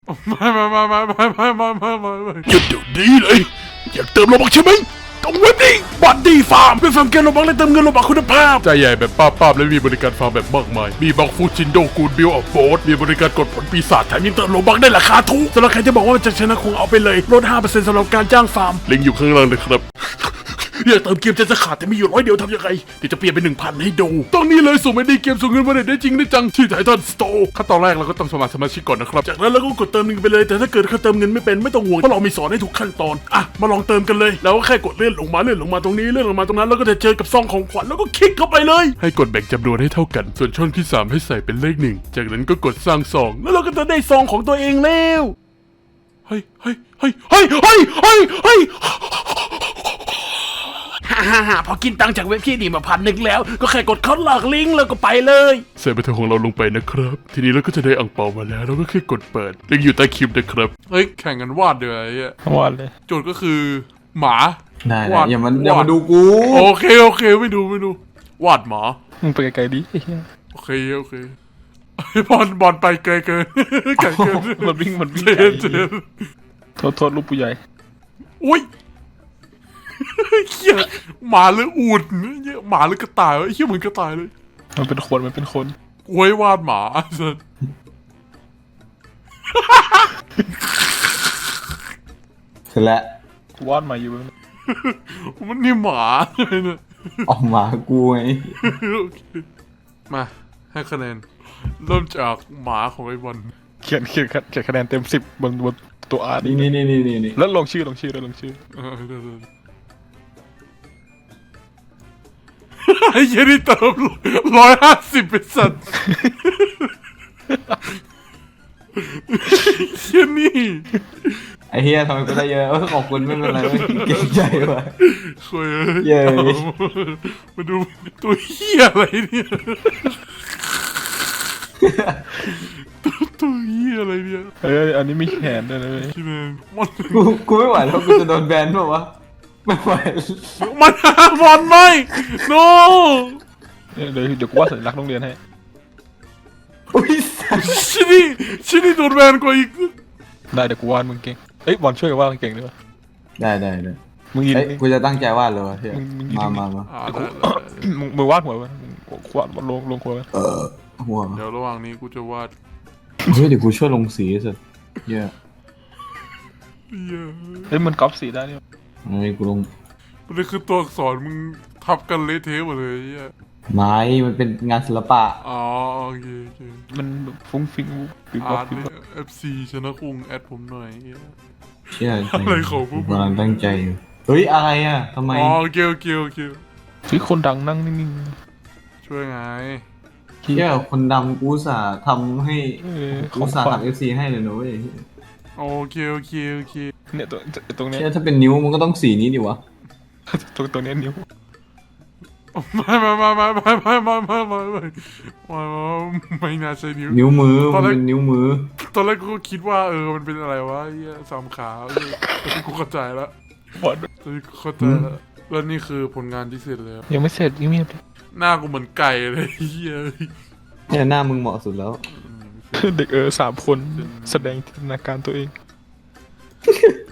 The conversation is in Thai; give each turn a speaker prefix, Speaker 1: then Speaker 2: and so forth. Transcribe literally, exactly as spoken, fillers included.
Speaker 1: ไม่ไม่ไม่ไม่ไม่ไม่ไม่ไม่ไม่ไม่
Speaker 2: หยุดเดี๋ยวนี้เลยอยากเติมโลบักใช่ไหมต้องเว็บนี้บัตดีฟาร์มเป็นฟาร์มเกมโลบักและเติมเงินโลบักคุณภาพใจใหญ่แบบป้าป้าและมีบริการฟาร์มแบบมากมายมีบักฟูจินโดกูดบิลออฟโบสมีบริการกดผลปีศาจแถมยังเติมโลบักได้ราคาถูกสำหรับใครที่บอกว่าจะชนะคงเอาไปเลยลด ห้าเปอร์เซ็นต์ สำหรับการจ้างฟาร์มลิงก์อยู่ข้างล่างเลยครับอยากเติมเกมใจจะขาดแต่มีอยู่ร้อยเดียวทำยังไงเดี๋ยวจะเปลี่ยนเป็นหนึ่งพันให้ดูต้องนี้เลยส่งไม่ได้เกมส่งเงินมาได้จริงได้จังที่ไททันสโตร์ขั้นตอนแรกเราก็ต้องสมัครสมาชิกก่อนนะครับจากนั้นเราก็กดเติมเงินไปเลยแต่ถ้าเกิดเขาเติมเงินไม่เป็นไม่ต้องห่วงเพราะเรามีสอนให้ทุกขั้นตอนอ่ะมาลองเติมกันเลยแล้วก็แค่กดเลื่อนลงมาเลื่อนลงมาตรงนี้เลื่อนลงมาตรงนั้นแล้วก็จะเจอกับซองของขวัญแล้วก็คลิกเข้าไปเลยให้กดแบ่งจำนวนให้เท่ากันส่วนช่องที่สามให้ใส่เป็นเลขหนึ่งจากนั้นก็กดสร้างซองแล้วเราก็จะได้ซองของตัวเองแล้วเฮ้ยเฮ้ยเฮ้ยเฮ้ยเฮ้ยเฮ้ยเฮ้ยฮ่าฮ่าฮ่าพอกินตังค์จากเว็บที่นี่มาพันหนึ่งแล้วก็แค่กดเข้าหลอกลิงก์แล้วก็ไปเลยใส่บัตรของเราลงไปนะครับทีนี้เราก็จะได้อ่งเปามาแล้วเราก็แค่กดเปิดลิงก์อยู่ใต้คลิปนะครับเฮ้ยแข่งกันวาดเดี๋ยวไอ้เหี้ยว
Speaker 3: าดเลย
Speaker 1: โจทย์ก็คือหมา
Speaker 4: ได้
Speaker 1: วาด
Speaker 4: อย่ามันอย่ามาดูกู
Speaker 1: โอเคโอเคไม่ดูไม่ดูวาดหมา
Speaker 3: มึงไปไกลๆดิไอ้เหี้ย
Speaker 1: โอเคโอเคบอลบอลไปไกลเกินไกลเกิน
Speaker 3: มันวิ่งมันวิ่ง
Speaker 1: เจ
Speaker 3: ไกล
Speaker 1: นเจน
Speaker 3: โทษโทษลูกผู้ใหญ่
Speaker 1: อุ้ยเหี้ยหมาหรืออูฐเหี้ยหมาหรือกระต่ายวะเหี้ยเหมือนกระต่ายเลย
Speaker 3: มันเป็นคนมันเป็นคน
Speaker 1: โว้ยวาดหมาสัส
Speaker 4: เสร็จแล้ว
Speaker 3: วาดมาอยู่
Speaker 1: มันนี่หมาเลยเนี่ย
Speaker 4: ออกมากูไง
Speaker 1: โอเคมาให้คะแนนเริ่มจากหมาของไอ้บอล
Speaker 3: เขียนเขียนเขียนคะแนนเต็มสิบบนบนตัวอาร์
Speaker 4: นี่นี่นี่นี่นี่นี่
Speaker 3: แล้วลงชื่อลงชื่อแล้วลงชื่อ
Speaker 1: เออเดี๋ยวๆไอ้เหี้ยนี่เติมร้อยห้าสิบเป็นสัตว์เหี้ยนี่
Speaker 4: ไอ้เฮียทำไมกูได้เยอะเออขอบคุณไม่เป็นไรเว้ยเก่งใจว่ะ
Speaker 1: สวย
Speaker 4: เย้
Speaker 1: มาดูตัวเหี้ยอะไรเนี่ยตัวตัวเหี้ยอะไรเนี่ย
Speaker 3: เอออันนี้มีแขนด้วยนะเว้ย
Speaker 1: ที่แม่งมัน
Speaker 4: กูกูไม่ไหวแล้วกูจะโดนแบนเปล่าวะไม่ไหว
Speaker 1: มันบอลไม่ no
Speaker 3: เดี๋ยวเดี๋ยวเดี๋ยวกูวาดสัญลักษณ์โรงเรียนให้
Speaker 4: อุ้ยสัส
Speaker 1: ชินี่ชินี่โดนแบนกว่าอีก
Speaker 3: ได้เดี๋ยวกูวาดมึงเก่งเอ้ยบอลช่วยกันวาดเก่งด้วย
Speaker 4: ได้ได้ได้
Speaker 3: มึงยืน
Speaker 4: เอ้ยกูจะตั้งใจวาดเลยวะเฮีย
Speaker 3: มึงมึงยืน
Speaker 4: มามามา
Speaker 1: อ่าได้
Speaker 3: มึงมึงวาดหัวไว้มึงวาดลงลงหัวไว้
Speaker 4: เออหัว
Speaker 1: เดี๋ยวระหว่างนี้กูจะวาด
Speaker 4: เฮ้ยเดี๋ยวกูช่วยลงสีสิเฮีย
Speaker 1: เหี้ย
Speaker 3: เฮ้ยมันก๊อปสีได้เนี่ย
Speaker 4: อันนี้กูลง
Speaker 1: มันคือตัวอักษรมึงทับกันเละเทะหมดเลยเหี้ย
Speaker 4: ไม้มันเป็นงานศิลปะ
Speaker 1: อ๋อโอเคโอเค
Speaker 3: มันแบบฟุ้งฟิ้งฟิ้ง
Speaker 1: อา
Speaker 3: วับ
Speaker 1: ร์ต
Speaker 3: ฟิ้ง
Speaker 1: เนี่
Speaker 3: วับ
Speaker 1: ย เอฟ ซี ชนะคุงแอดผมหน่อยเหี้ย
Speaker 4: เชี่ย
Speaker 1: อะไรของพวกมึง
Speaker 4: กำลังตั้งใจอยู่เฮ้ยอะไรอ่ะทำไม
Speaker 1: อ๋อโอเคโอเคโอเค
Speaker 3: เฮ้ยคนดังนั่งนิ่ง
Speaker 1: ช่วยไง
Speaker 3: ๆ
Speaker 4: เชี่ยคนดำกูอุตสาห์ทำให้
Speaker 3: เออข
Speaker 4: กู
Speaker 3: อง
Speaker 4: อุตสาห์
Speaker 3: ขวัญ
Speaker 4: ทำเอฟซีให้เลยนะเว้ย
Speaker 1: โอเคโอเคโอเค
Speaker 3: เนี่ยตัวตรงเนี้ย
Speaker 4: เชี่ยถ้าเป็นนิ้วมันก็ต้องสีนี้ดิวะ
Speaker 3: ตรงตรงเนี้ยนิ้ว
Speaker 1: ไม่ไม่ไม่ไม่ไม่ไม่ไม่ไม่ไม่ไม่ไม่ไม่น่าใช่นิ้ว
Speaker 4: นิ้วมือ
Speaker 1: ตอนแรก
Speaker 4: มันเป็นนิ้วมือ
Speaker 1: ตอนแรกกูก็คิดว่าเออมันเป็นอะไรวะเหี้ยสามขาเออตอนนี้กูเข้าใจแล้ว
Speaker 3: บอล
Speaker 1: ตอนนี้กูเข้าใจแล้วแล้วนี่คือผลงานที่เสร็จแล้ว
Speaker 3: ยังไม่เสร็จยังไม่
Speaker 1: หน้ากูเหมือนไก่เลยเหี้ย
Speaker 4: เนี่ยหน้ามึงเหมาะสุดแล้ว
Speaker 3: เด็กเออสามคนแสดงจินตนาการตัวเอง